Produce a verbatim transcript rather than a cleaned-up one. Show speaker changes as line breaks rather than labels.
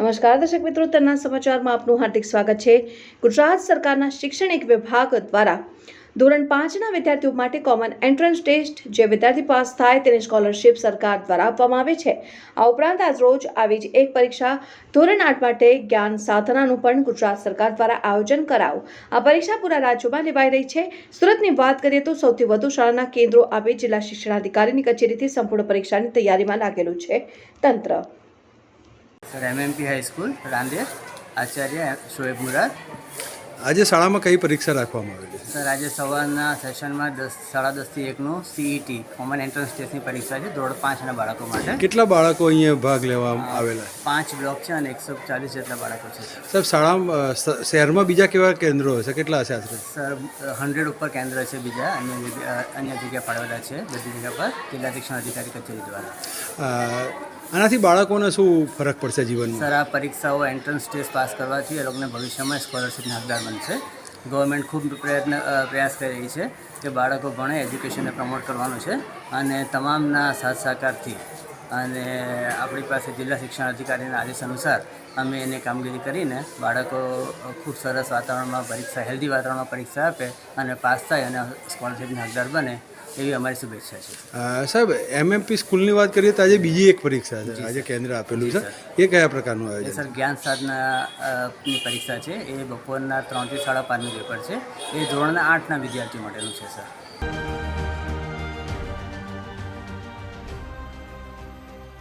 નમસ્કાર દર્શક મિત્રો, તરના સમાચારમાં આપનું હાર્દિક સ્વાગત છે। ગુજરાત સરકારના શૈક્ષણિક વિભાગ દ્વારા ધોરણ પાંચના વિદ્યાર્થીઓ માટે કોમન એન્ટ્રન્સ ટેસ્ટ જે વિદ્યાર્થી પાસ થાય તેને સ્કોલરશિપ સરકાર દ્વારા આપવામાં આવે છે। આ ઉપરાંત આજ રોજ આવી જ એક પરીક્ષા ધોરણ આઠ માટે જ્ઞાન સાધનાનું પણ ગુજરાત સરકાર દ્વારા આયોજન કરાયું। આ પરીક્ષા પૂરા રાજ્યમાં લેવાઈ રહી છે। સુરતની વાત કરીએ તો સૌથી વધુ શાળાના કેન્દ્રો આપી જિલ્લા શિક્ષણાધિકારીની કચેરીથી સંપૂર્ણ પરીક્ષાની તૈયારીમાં લાગેલું છે તંત્ર।
Sir MMP high school Rander Acharya Shoaib Murad.
आज शाला में कई परीक्षा राखवामां आवेली छे?
सर आज सवारना सेशन में दस साढ़ा दस थी एक सीईटी कॉमन एंट्रन्स टेस्टनी परीक्षा है धोरण पांच बाळको माटे।
કેટલા બાળકો અહીંયા ભાગ લેવા આવેલા?
पांच ब्लॉक है और एक सौ चालीस જેટલા બાળકો છે।
સાહેબ, શાળા શહેરમાં બીજા કેવા કેન્દ્રો હશે? કેટલા હશે આશરે?
સર હંડ્રેડ ઉપર કેન્દ્ર છે બીજા અન્ય જગ્યા અન્ય જગ્યા ફાળવેલા છે બધી જગ્યા પર જિલ્લા શિક્ષણ અધિકારી કચેરી દ્વારા।
આનાથી બાળકોને શું ફરક પડશે જીવનમાં?
સર આ પરીક્ષાઓ એન્ટ્રન્સ ટેસ્ટ પાસ કરવાથી એ લોકોને ભવિષ્યમાં સ્કોલરશિપના હકદાર બનશે। ગવર્મેન્ટ ખૂબ પ્રયત્ન પ્રયાસ કરી રહી છે કે બાળકો ભણે, એજ્યુકેશનને પ્રમોટ કરવાનું છે અને તમામના સાથ સહકારથી અને આપણી પાસે જિલ્લા શિક્ષણ અધિકારીના આદેશ અનુસાર અમે એને કામગીરી કરીને બાળકો ખૂબ સરસ વાતાવરણમાં પરીક્ષા હેલ્ધી વાતાવરણમાં પરીક્ષા આપે અને પાસ થાય અને સ્કોલરશિપના હકદાર બને એવી અમારી શુભેચ્છા છે।
સાહેબ, એમએમપી સ્કૂલની વાત કરીએ તો આજે બીજી એક પરીક્ષા છે, આજે કેન્દ્ર આપેલું છે, એ કયા પ્રકારનું આયોજન?
સર જ્ઞાન સાધનાની પરીક્ષા છે, એ બપોરના ત્રણથી સાડા પાંચનું પેપર છે, એ ધોરણના આઠના વિદ્યાર્થીઓ માટેનું છે સર।